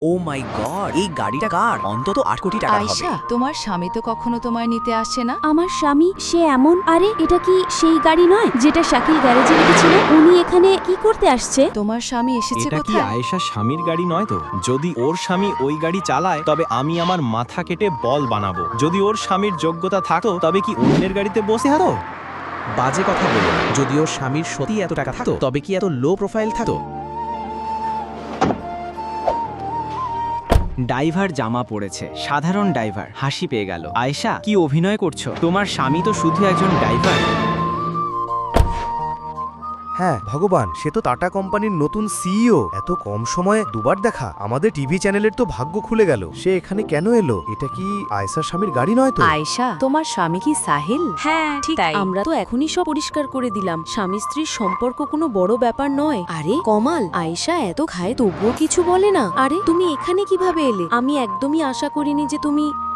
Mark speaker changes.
Speaker 1: ও মাই god, এই গাড়িটা কার? অন্তত ৮ কোটি টাকা হবে।
Speaker 2: আয়শা, তোমার স্বামী তো কখনো তোমায় নিতে আসে না।
Speaker 3: আমার স্বামী সে এমন, আরে এটা কি সেই গাড়ি নয় যেটা শাকিল গ্যারেজে রেখেছিল? উনি এখানে কি করতে আসছে?
Speaker 2: তোমার স্বামী এসেছে
Speaker 4: এটা কি
Speaker 2: কোথায়?
Speaker 4: আয়েশা স্বামীর গাড়ি নয় তো? যদি ওর স্বামী ওই গাড়ি চালায় তবে আমি আমার মাথা কেটে বল বানাবো। যদি ওর স্বামীর যোগ্যতা থাকতো তবে কি অন্যের গাড়িতে বসে হতো?
Speaker 5: বাজে কথা বলো না। যদি ওর স্বামীর সত্যি এত টাকা থাকতো তবে কি এত লো প্রোফাইল থাকতো?
Speaker 6: ড্রাইভার জামা পড়েছে, সাধারণ ড্রাইভার, হাসি পেয়ে গেল। আয়েশা, কি অভিনয় করছো? তোমার স্বামী তো শুধু একজন ড্রাইভার।
Speaker 7: হ্যাঁ ভগবান, সে তো টাটা কোম্পানির নতুন সিইও। এত কম সময়ে দুবার দেখা। আমাদের টিভি চ্যানেলের তো ভাগ্য খুলে গেল। সে এখানে কেন এলো? এটা কি আয়েশার স্বামীর গাড়ি নয় তো?
Speaker 2: আয়শা, তোমার স্বামী কি সাহিল?
Speaker 3: হ্যাঁ
Speaker 2: ঠিক তাই।
Speaker 3: আমরা তো এখনই সব পরিষ্কার করে দিলাম। স্বামী স্ত্রীর সম্পর্ক কোনো বড় ব্যাপার নয়। আরে কমাল, আয়েশা এত খায় তবুও কিছু বলে না। আরে তুমি এখানে কিভাবে এলে? আমি একদমই আশা করিনি যে তুমি